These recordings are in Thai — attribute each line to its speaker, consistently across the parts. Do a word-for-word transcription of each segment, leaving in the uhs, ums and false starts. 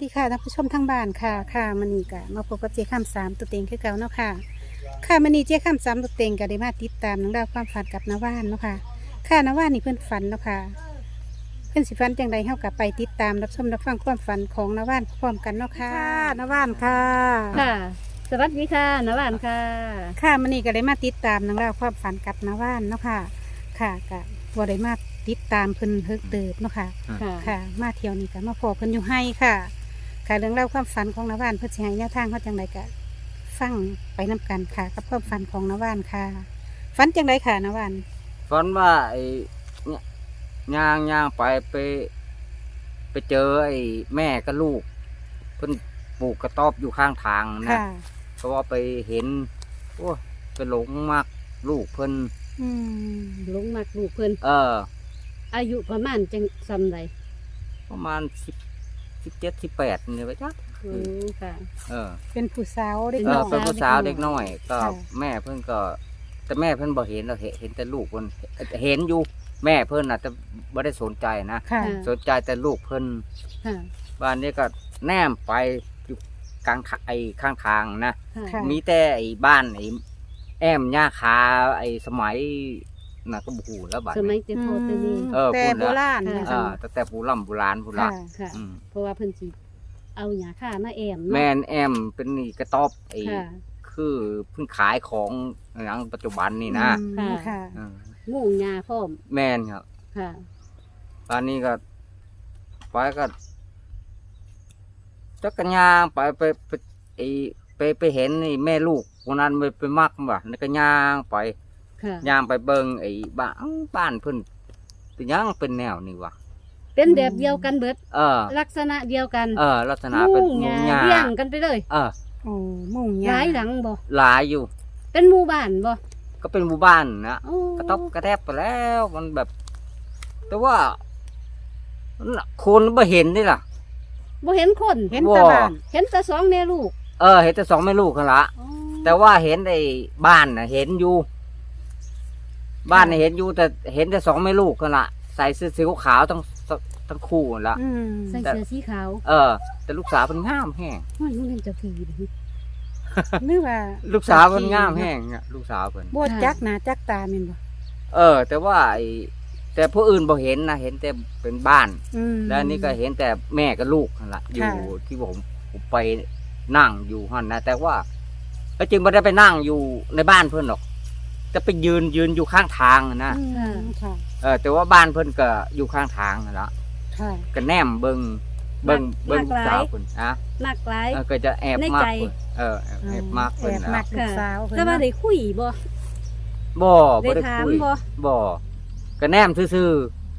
Speaker 1: ดีค่ะท่านผู้ชมทางบ้านค่ะค่ะมันนี่กะมาพบกับเจ๊ข้ามสามตัวเต็งคือเก่าเนาะค่ะค่ะมันนี่เจ๊ข้ามสามตัวเต็งก็ได้มาติดตามนังดาวความฝันกับนาว่านเนาะค่ะค่ะนาว่านนี่เพื่อนฝันเนาะค่ะเพื่อนสิฝันจังใดเฮากับไปติดตามรับชมรับฟังความฝันของนาว่านพร้อมกันเนาะค่ะนาว่านค่ะ
Speaker 2: ค่ะ สวัสดีค่ะนวานค่ะ
Speaker 1: ค่ะมันนี่ก็ได้มาติดตามนังดาวความฝันกับนาว่านเนาะค่ะค่ะกะบ่ได้มาติดตามเพิ่นเพิกเติบเนาะค่ะ
Speaker 2: ค่ะ
Speaker 1: ค่ะมาเที่ยวนี่ก็มาพอเพิ่นอยู่ให้ค่ะค่ะเรื่องเล่าวความฝันของนาวานเพื่อสิให้แนวทางเขาจังไดก็ฟังไปนํกันค่ะ กับความฝันของนาวานค่ะฝันจังไดค่ะนาวาน
Speaker 3: ฝันว่าไอ้เนี่ยย่างย่างไปไป ไปเจอไอ้แม่กับลูกเพิ่นปลูกกระต๊อบอยู่ข้างทางนะ
Speaker 1: ค่ะ
Speaker 3: เพราะว่าไปเห็นโอ้ไปหลงมากลูกเพิ่น
Speaker 1: อืม
Speaker 2: ลงมากลูกเพิ่น
Speaker 3: เออ
Speaker 2: อายุประมาณจังซำใด
Speaker 3: ประมาณสิบสิบเจ็ดสิบแปดนี่ไปจ้ะ
Speaker 2: อืมค่ะ
Speaker 3: เออ
Speaker 1: เป็นผู้สาวเด็ก
Speaker 3: เอ
Speaker 1: น้
Speaker 3: อ
Speaker 1: อย
Speaker 3: เป็นผู้สาวเด็กน้อย ก็
Speaker 1: ค่ะ
Speaker 3: แม่เพิ่นก็ แต่แม่เพิ่นบ่เห็นเราเห็นเห็นแต่ลูกเพิ่นเห็นอยู่แม่เพิ่นน่ะแต่บ่ได้สนใจนะ
Speaker 1: ค่ะ
Speaker 2: ค่ะ
Speaker 3: สนใจแต่ลูกเพิ่น
Speaker 2: ค่ะ
Speaker 3: บ้านนี้ก็แนมไปอยู่กลางทางไอ้ข้างทางนะ
Speaker 2: ค่ะ
Speaker 1: ค่ะ
Speaker 3: มีแต่ไอ้บ้านไอ้แอมย่าคาไอ้สมัยน่ะก็บฮูแล้วบัด
Speaker 2: สมัย
Speaker 3: นี้
Speaker 2: เตโพเตนี
Speaker 3: เออ
Speaker 1: แต่
Speaker 3: พูด
Speaker 1: โบ
Speaker 3: แล้ว
Speaker 1: ราณ
Speaker 2: ค่ะ
Speaker 1: เนี่ย
Speaker 3: อ่าแต่แต่โบราณโบราณพูดละ
Speaker 1: ค่ะ
Speaker 2: ค่ะ
Speaker 3: อืม
Speaker 2: เพราะว่าเพิ่นสิเอาหยาค่ามาแอม
Speaker 3: แม
Speaker 2: เนาะ
Speaker 3: นแอมเป็นนี่กระต๊อบไอ้
Speaker 2: ค่ะ
Speaker 3: คือเพิ่งขายของอย่างปัจจุบันนี่นะ
Speaker 1: อืมค่ะ
Speaker 3: เออ
Speaker 2: มุ่งหยาพร้อม
Speaker 3: แมนครับ
Speaker 2: ค่ะ
Speaker 3: ตอนนี้ก็ไปก็จักรยานไปไปไปไอ้ไปไปเห็นนี่แม่ลูกคนนั้นไปไปมักบ่นี่ก็ย่างไป
Speaker 2: ค่ะ
Speaker 3: ย่างไปเบิ่งไอ้บ้านบ้านเพิ่นเป็นหยังเป็นแนวนี่วะ
Speaker 2: เป็นแบบเดียวกันเบิด
Speaker 3: เออ
Speaker 2: ลักษณะเดียวกัน
Speaker 3: เออ ลักษณะเป็น
Speaker 2: มุ่ง
Speaker 3: ห
Speaker 2: ห
Speaker 3: มู่
Speaker 2: ยา
Speaker 3: หญ้า
Speaker 2: เรียงกันไปเลย
Speaker 3: เออ
Speaker 1: โอ้มุ่ง
Speaker 2: ห
Speaker 1: ยา
Speaker 2: ลายหลังบ่
Speaker 3: หลายอยู่
Speaker 2: เป็นหมู่บ้านบ่
Speaker 3: ก็เป็นหมู่บ้านนะ
Speaker 2: โอ้
Speaker 3: กระต๊อบกระแทบไปแล้วมันแบบ แต่ว่ามันน่ะคนไม่เห็นนี่ล่ะ
Speaker 2: บ่เห็นคน
Speaker 1: เห็นแตาบ้าน
Speaker 2: เห็นแต่สองแม่ลูก
Speaker 3: เออ เห็นแต่สองแม่ลูกกันละ
Speaker 2: อ๋อ
Speaker 3: แต่ว่าเห็นไอ้บ้านน่ะ เห็นอยู่ บ้านน่ะเห็นอยู่ แต่เห็นแต่สองแม่ลูกกันละใส่เสื้อสีขาวทั้งทั้งคู่นั่นละ
Speaker 1: อืม
Speaker 2: ใส่เสื้อสีขาว
Speaker 3: เออ แต่ลูกสาวเป็นงามแห้ง
Speaker 2: ว่าลูกเล่นเจ้าทีเด้อ
Speaker 1: หรือว่า
Speaker 3: ลูกสาวเป็นงามแห้งอะลูกสาวเป็น
Speaker 1: บ่จักหน้าจักตาแม่นบ่
Speaker 3: เออ แต่ว่าไอ้แต่ผู้อื่นบ่เห็นนะเห็นแต่เป็นบ้าน
Speaker 1: อืม
Speaker 3: แล้วนี่ก็เห็นแต่แม่กับลูกนั่นแหละอยู่
Speaker 1: ค่ะ
Speaker 3: ที่ผมผมไปนั่งอยู่หันนะแต่ว่าแล้วจึงไม่ได้ไปนั่งอยู่ในบ้านเพื่อนหรอกจะไปยืนยืนอยู่ข้างทางนะ
Speaker 1: อืมค่ะ
Speaker 3: เออแต่ว่าบ้านเพื่อนก็อยู่ข้างทางนั่นแหละ
Speaker 1: ค่ะ
Speaker 3: ก็แนมเบิงเบิงเบิงลูกสาวคนอ่ะ
Speaker 2: หนักหลาย
Speaker 3: เออก็จะแอบ
Speaker 2: ใน
Speaker 3: มาก
Speaker 2: ใจ
Speaker 3: คนเออแอบแอบมากคน
Speaker 1: แอบ
Speaker 3: นะ
Speaker 1: มักลูกสาวเพิ่น
Speaker 2: แต่ว่า
Speaker 1: เนาะ
Speaker 2: ได้คุยบ่
Speaker 3: บ่
Speaker 2: ได้
Speaker 3: บ่ได้
Speaker 2: ถาม
Speaker 3: คุย
Speaker 2: บ่
Speaker 3: บ่ก็แนมซื่อ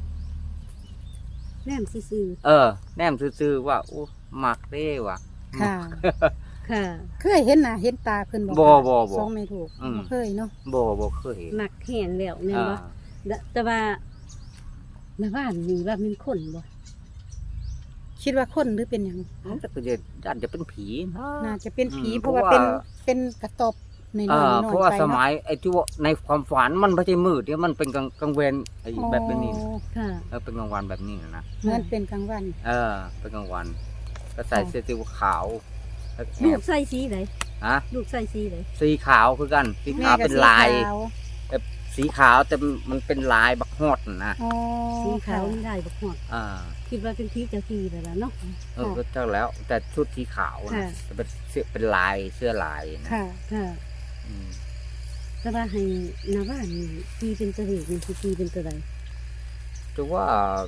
Speaker 2: แนมซื่อ
Speaker 3: ๆเออ แนมซื่อๆว่าโอ้มักเด้ว่ะ
Speaker 1: ค่ะ
Speaker 2: ๆค่ะ
Speaker 1: เคยเห็นหน้าเห็นตาเพิ่นบ่
Speaker 3: บ่
Speaker 1: คะ
Speaker 3: บ่บ่
Speaker 1: สองไม่ถูก
Speaker 3: อืม
Speaker 1: บ่เคยเนาะ
Speaker 3: บ่บ่เคยเห็น
Speaker 2: หนักแห้งแล้วแม่น
Speaker 3: อ่า
Speaker 2: บ่แต่แต่ว่าในบ้านนี่ว่าเป็นคนบ่
Speaker 1: คิดว่าคนหรือเป็นหยัง
Speaker 3: มันก็จะอาจจะเป็นผีนะ
Speaker 1: น่าจะเป็นผี
Speaker 3: อืม
Speaker 1: เพราะว่า
Speaker 3: เพ
Speaker 1: เป็น
Speaker 3: ราะว่า
Speaker 1: เป็นกระตอบใน
Speaker 3: เอ
Speaker 1: น้อย
Speaker 3: อ
Speaker 1: ๆ
Speaker 3: เพราะว่า
Speaker 1: ไป
Speaker 3: ส
Speaker 1: เนาะ
Speaker 3: มัยไอ้ที่ว่าในความฝันมันไม่ใช่มืดเนี่ยมันเป็นกลางกลางเวรไอ้แบบนี้นะ
Speaker 1: อ๋อ
Speaker 2: ค่ะ
Speaker 3: เออเป็นกลางวันแบบนี้นะ
Speaker 1: เหมือนเป็นกลางวัน
Speaker 3: เออ เป็นกลางวัน ก็ใส่
Speaker 1: ค่ะ
Speaker 3: เสื้อสีขาวแล้วแอ
Speaker 2: ลูก
Speaker 3: บ
Speaker 2: ใส่สีไหน
Speaker 3: ฮะ
Speaker 2: ลูกใส่สีไหน
Speaker 3: สีขาวคือกัน สี
Speaker 1: แม่
Speaker 3: ขาว
Speaker 1: ก็
Speaker 3: เป็น
Speaker 1: สี
Speaker 3: ลาย
Speaker 1: ขาว
Speaker 3: แบบสีขาวแต่มันเป็นลายบักฮอดนะ
Speaker 1: อ๋อ
Speaker 2: สีขาว
Speaker 1: ค่ะ
Speaker 2: นี่ได้บ่ฮอด
Speaker 3: อ่า
Speaker 2: คิดว่าเป็นผีเจ้าที่แล้วล่ะเนาะ
Speaker 3: เออก็เท่าแล้ว แต่ชุดสีขาวนะ
Speaker 2: ค่ะ
Speaker 3: แต่เป็นเสื้อเป็นลายเสื้อลายนะ
Speaker 1: ค่ะ
Speaker 2: ค่ะ
Speaker 3: อืม
Speaker 2: แต่ว่าให้หน้าบ้านนี่ตีเป็นตัวเลขนี่สิตีเป็นตัวใด
Speaker 3: จะว่า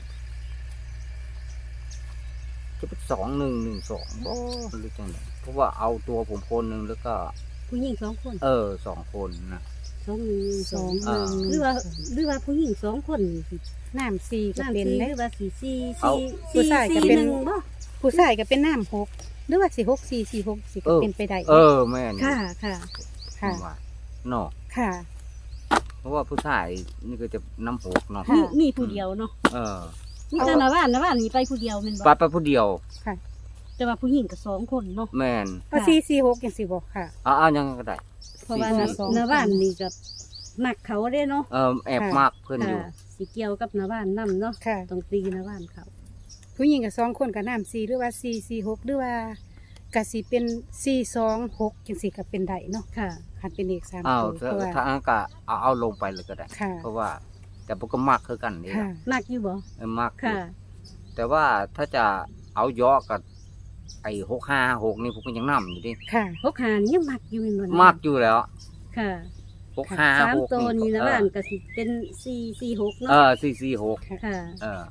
Speaker 3: จะเป็นสองหนึ่งหนึ่งสองบ่หรือจังไงเพราะว่าเอาตัวผมคนหนึ่งแล้วก็
Speaker 2: ผู้หญิงสองคน
Speaker 3: เออสองคนนะ
Speaker 2: สองหนึ่ง
Speaker 1: ส
Speaker 2: ส
Speaker 1: อ
Speaker 2: อง ง
Speaker 3: อ่า
Speaker 2: หรือว่าหรือว่าผู้หญิงสองคนนี่สิ
Speaker 1: น้ำสี่ก็
Speaker 2: น้ำ
Speaker 1: เป็น
Speaker 2: สี
Speaker 1: เด้
Speaker 2: หรือว่าสีสี
Speaker 3: เอา
Speaker 2: สี
Speaker 1: ผู้ชายก็
Speaker 2: สี
Speaker 1: เป็น
Speaker 2: หนึ่งบ่
Speaker 1: ผู้ชายก็เป็นน้ำหกหรือว่าสี่หกสี่สี่หกสี่ก็เป็นไปได้
Speaker 3: เออแม่น
Speaker 2: ค่ะค่ะ
Speaker 1: ค่ะ
Speaker 3: ว่าเนาะ
Speaker 1: ค่ะ
Speaker 3: เพราะว่าผู้ชายนี่ก็จะน้ำหกเนาะ
Speaker 1: ค่ะ
Speaker 2: มีมีผู้เดียวเนาะ
Speaker 3: เออ
Speaker 2: มีแต่หน้าบ้านหน้าบ้านนี่ไปผู้เดียวแม่น
Speaker 3: ไป
Speaker 2: บ่
Speaker 3: ไปผู้เดียว
Speaker 1: ค่ะ
Speaker 2: แต่ว่าผู้หญิงก็สองคนเนาะ
Speaker 3: แม่น
Speaker 1: ว่าสี่สี่หกอย่างสี่บอกค่ะ
Speaker 3: เอาเอายังก็ได้
Speaker 2: เพราะว่า
Speaker 1: สี่
Speaker 2: หน้า
Speaker 1: สอง
Speaker 2: หน้าบ้านนี่ก็มักเขาเด้เนาะ
Speaker 3: เออแอบ
Speaker 1: ค่ะ
Speaker 3: มากเพื่อนอยู่
Speaker 2: ค่ะสิเกี่ยวกับหน้าบ้านนํเนาะ
Speaker 1: ค่ะ
Speaker 2: ต้องตีหน้าบ้านเขา
Speaker 1: ผู้หญิงกับสองคนกับน้ำสี่หรือว่าสี่สี่หกหรือว่ากะสิเป็นสี่สองหกจังสี่ก็เป็นได้เนาะ
Speaker 2: ค่ะ
Speaker 1: คันเป็นเลขสาม
Speaker 3: อ้าว
Speaker 1: ตัวเพราะว่า
Speaker 3: ถ้าอันก็เอาเอาลงไปเลยก็ได้
Speaker 1: ค่ะ
Speaker 3: เพราะว่า แต่ผมก็มักคือกันนี่
Speaker 1: ค่ะ
Speaker 2: มักอยู่บ่
Speaker 3: เออมักอยู่
Speaker 2: ค่ะ
Speaker 3: แต่ว่าถ้าจะเอาย่อกับไอ้หกห้าหกนี่ผมก็ยังนำอยู่ดิ
Speaker 1: ค่ะ
Speaker 2: หกหานี่ยังมักอยู่เป็นบ่นะ
Speaker 3: มักอยู่แล้ว
Speaker 2: ค่ะ
Speaker 3: หกห้า
Speaker 2: สาม
Speaker 3: หก
Speaker 2: ตัวนี้
Speaker 3: นี่
Speaker 2: นะบ้านก็สิเป็นสี่สี่หก
Speaker 3: เอ
Speaker 2: เนาะ
Speaker 3: อสี่สี่หก
Speaker 2: ค่ะ
Speaker 3: เออ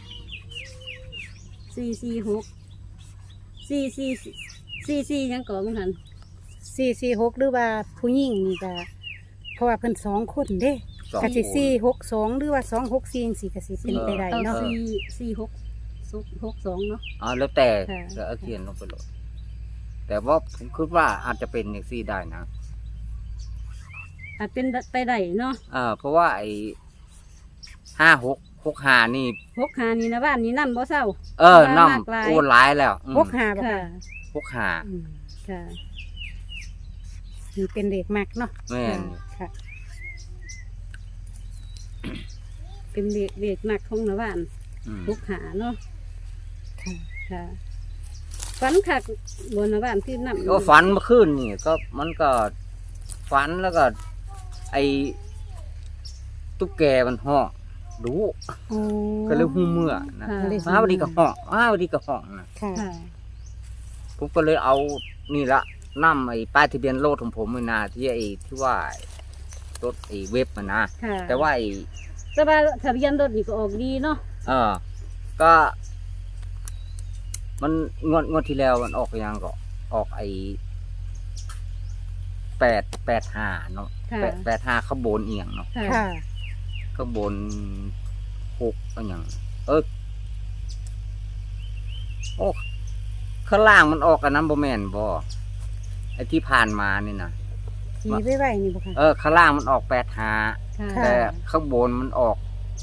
Speaker 2: สี่สี่หกสี่สี่สี่สี่ยังก่อมั้งหัน
Speaker 1: สี่สี่หกหรือว่าผู้หญิงนี่ก็เพราะว่าเพิ่นสองคนเด้
Speaker 3: สอง
Speaker 1: กะสิ
Speaker 3: คน
Speaker 1: สี่หกสองหรือว่าสองหกสี่จังสี่กะสิเป็นไปได้
Speaker 2: เอา
Speaker 1: เนาะ
Speaker 2: สี่สี่หกหกสองเนาะ
Speaker 3: อ๋อแล้วแต่
Speaker 2: ค่ะ
Speaker 3: จะเอาเขียนลงไปเลยแต่ว่าผมคิดว่าอาจจะเป็นอย่างซี่ได้นะ
Speaker 2: อาจเป็นไปได้เนาะ
Speaker 3: เออเพราะว่าไอ้ห้าหกหกห้านี่
Speaker 2: หกหานี่นะบ้านนี้นั่นบ่เศร้า
Speaker 3: เออ
Speaker 2: มากหลาย
Speaker 3: น้ำโอ้หลายแล้วอืม
Speaker 1: หกห้าบ่
Speaker 2: ค่ะ
Speaker 1: ค่ะ
Speaker 3: หกห้า
Speaker 1: อืม
Speaker 2: ค่ะ
Speaker 1: นี่เป็นเด็กมักเนาะ
Speaker 3: แม่น
Speaker 1: ค่ะ
Speaker 2: เป็นเด็กเด็กหนักของนะบ้าน
Speaker 3: อืม
Speaker 2: หกหาเนาะ
Speaker 1: ค่ะ
Speaker 2: ค่ะฝันคักบนนะบ้านที่นั่น
Speaker 3: ก็ฝันเมื่อคืนนี่ก็มันก็ฝันแล้วก็ ไอ้ตุ๊กแกมันห้องดู
Speaker 1: โอ้
Speaker 3: ก็เลยหูเมื่อนะ
Speaker 2: ค่ะ
Speaker 1: เลย
Speaker 3: มาวันดีก็ห้องมาวันดีก็ห้องนะ
Speaker 1: ค่ะ
Speaker 2: ค่ะ
Speaker 3: ผมก็เลยเอานี่ละนั่ไอ้ป้ายทะเบียนรถของผมเลยนะที่ไอ้ที่ว่ารถไอ้เว็บมันนะ
Speaker 2: ค่ะ
Speaker 3: แต่ว่าไอ้
Speaker 2: แต่ว่าทะเบียนรถนี่ก็ออกดีเนาะ
Speaker 3: เออ ก็ มันงวดงวดที่แล้วมันออกยังก็ออกไอ้แปดแปดห้าเนาะ
Speaker 2: ค่ะ
Speaker 3: แปดแปดห้าข้างบนเอียงเนาะ
Speaker 2: ค่ะ
Speaker 1: ค่ะ
Speaker 3: ข้างบนหกอะไรอย่างเออโอ้ข้างล่างมันออกกันน้ำบแมนบอไอ้ที่ผ่านมานี่นะ
Speaker 1: ขี่ไว้ไว้นี่บ่ค่ะ
Speaker 3: เออข้างล่างมันออกแปดห้า
Speaker 2: ค่ะ
Speaker 1: ค่ะ
Speaker 3: แต่ข้างบนมันออก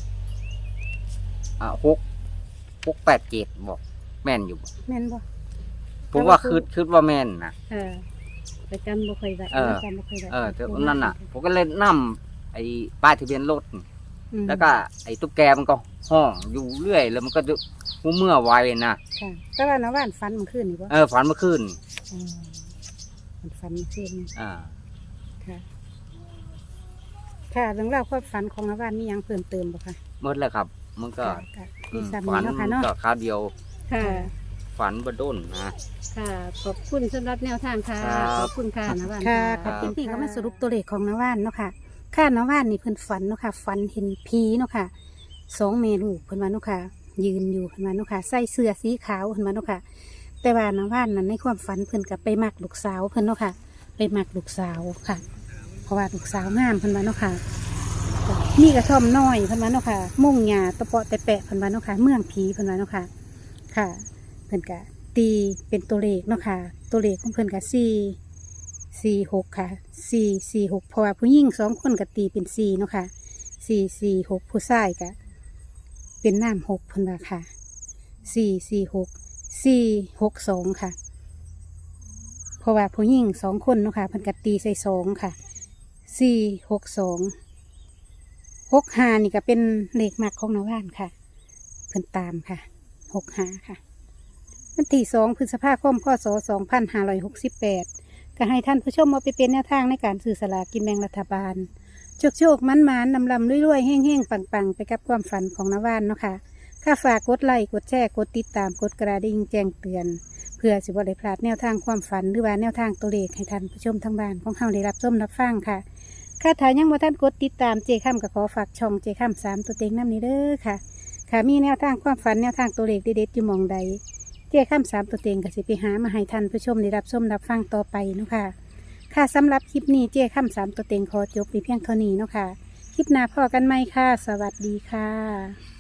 Speaker 3: อ่าหกหกแปดเจ็ดบอกแม่นอยู่บ่
Speaker 1: แม่นบ่
Speaker 3: ผมว่าคืดคืดว่าแม่นนะ
Speaker 2: ค่ะแต่จำบ่ค่อยได้
Speaker 3: เออ
Speaker 1: จำบ่ค่อยได้
Speaker 3: เออแต่นั่นน่ะ ผมก็เลยนั่มไอ้ป้ายทะเบียนรถ
Speaker 1: อืม
Speaker 3: แล้วก็ไอ้ตุ๊กแกมันก็ห้องอยู่เรื่อย แล้วมันก็จะหูเมื่อไวนะ
Speaker 1: ค่ะแต่ว่าน้าว่านฝันเมื่อคืนนี่บ่
Speaker 3: เออฝันเมื่อคืน
Speaker 1: อืมมันฝันเมื่อคืนนี่
Speaker 3: อ่า
Speaker 1: ค่ะ ค่ะเรื่องราวความฝันของน้าว่านมีหยังเพิ่มเติมบ่คะ
Speaker 3: หมดแล้วครับ มันก็
Speaker 1: ค่ะค่ะ
Speaker 3: อื
Speaker 1: มี
Speaker 3: ม
Speaker 1: ซ้ำ
Speaker 3: ฝั
Speaker 1: นี้เนาะค่ะเนาะ
Speaker 3: ก็คราวเดียว
Speaker 2: ค่ะ
Speaker 3: ฝันบด้นนะ
Speaker 2: ค่ะ ขอบคุณสำหรับแนวทางค่ะ
Speaker 3: ครับ
Speaker 2: ขอบคุณค่ะนะบ้าน
Speaker 1: ค่ะ
Speaker 3: ครั
Speaker 1: ค่ะ
Speaker 3: บ
Speaker 1: ทีนี้ก็มาสรุปตัวเลขของน้าว่านเนาะค่ะ ค่ะน้าว่านนี่เพิ่นฝันเนาะค่ะ ฝันเห็นผีเนาะค่ะสองเมลูกเพิ่นว่าเนาะค่ะ ยืนอยู่เพิ่นว่าเนาะค่ะใส่เสื้อสีขาวเพิ่นว่าเนาะค่ะ แต่ว่าน้าว่านนั้นในความฝันเพิ่นก็ไปมักลูกสาวเพิ่นเนาะค่ะ ไปมักลูกสาวค่ะ เพราะว่าลูกสาวงามเพิ่นว่าเนาะค่ะมีกระท่อมน้อยเพิ่นว่าเนาะค่ะ มุ่งหญ้าตะเปาะแต่แปะเพิ่นว่าเนาะค่ะ เมืองผีเพิ่นว่าเนาะค่ะ ค่ะ เพิ่นก็ตีเป็นตัวเลขเนาะค่ะ ตัวเลขของเพิ่นก็สี่สี่หกค่ะสี่สี่หกเพราะว่าผู้หญิงสองคนก็ตีเป็นสี่เนาะค่ะสี่สี่หกผู้ชายก็เป็นน้ำหกเพิ่นว่าค่ะสี่สี่หกสี่หกสองค่ะ เพราะว่าผู้หญิงสองคนเนาะค่ะเพิ่นก็ตีใส่สองค่ะสี่หกสองหกห้านี่ก็เป็นเลขมักของน้าว่านค่ะ เพิ่นตามค่ะหกห้าค่ะ วันที่สองพฤษภาคมพศสองพันห้าร้อยหกสิบแปดก็ให้ท่านผู้ชมมาไปเป็นแนวทางในการสื่อสลากกินแบ่งรัฐบาล โชคโชคมันมันนำลำรวยๆแห้งๆ ปังๆ ไปกับความฝันของน้าว่านเนาะค่ะค่าฝากกดไลค์กดแชร์กดติดตามกดกระดิ่งแจ้งเตือน เพื่อสิบได้พลาดแนวทางความฝันหรือว่าแนวทางตัวเลขให้ท่านผู้ชมทางบ้านของเฮาได้รับชมรับฟังค่ะค่าถ่ายยังบ่ท่านกดติดตามเจค่ำก็ขอฝากช่องเจค่ำสามตัวเต็งน้ำนี้เด้อค่ะ ค่ะมีแนวทางความฝันแนวทางตัวเลขเด็ดๆอยู่หมองใด เจ้าข้ามสามตัวเต็งก็สิไปหามาให้ท่านผู้ชมได้รับชมรับฟังต่อไปเนาะค่ะ ค่ะสำหรับคลิปนี้เจ้าข้ามสามตัวเต็งขอจบไปเพียงเท่านี้เนาะค่ะ คลิปหน้าพอกันไหมค่ะ สวัสดีค่ะ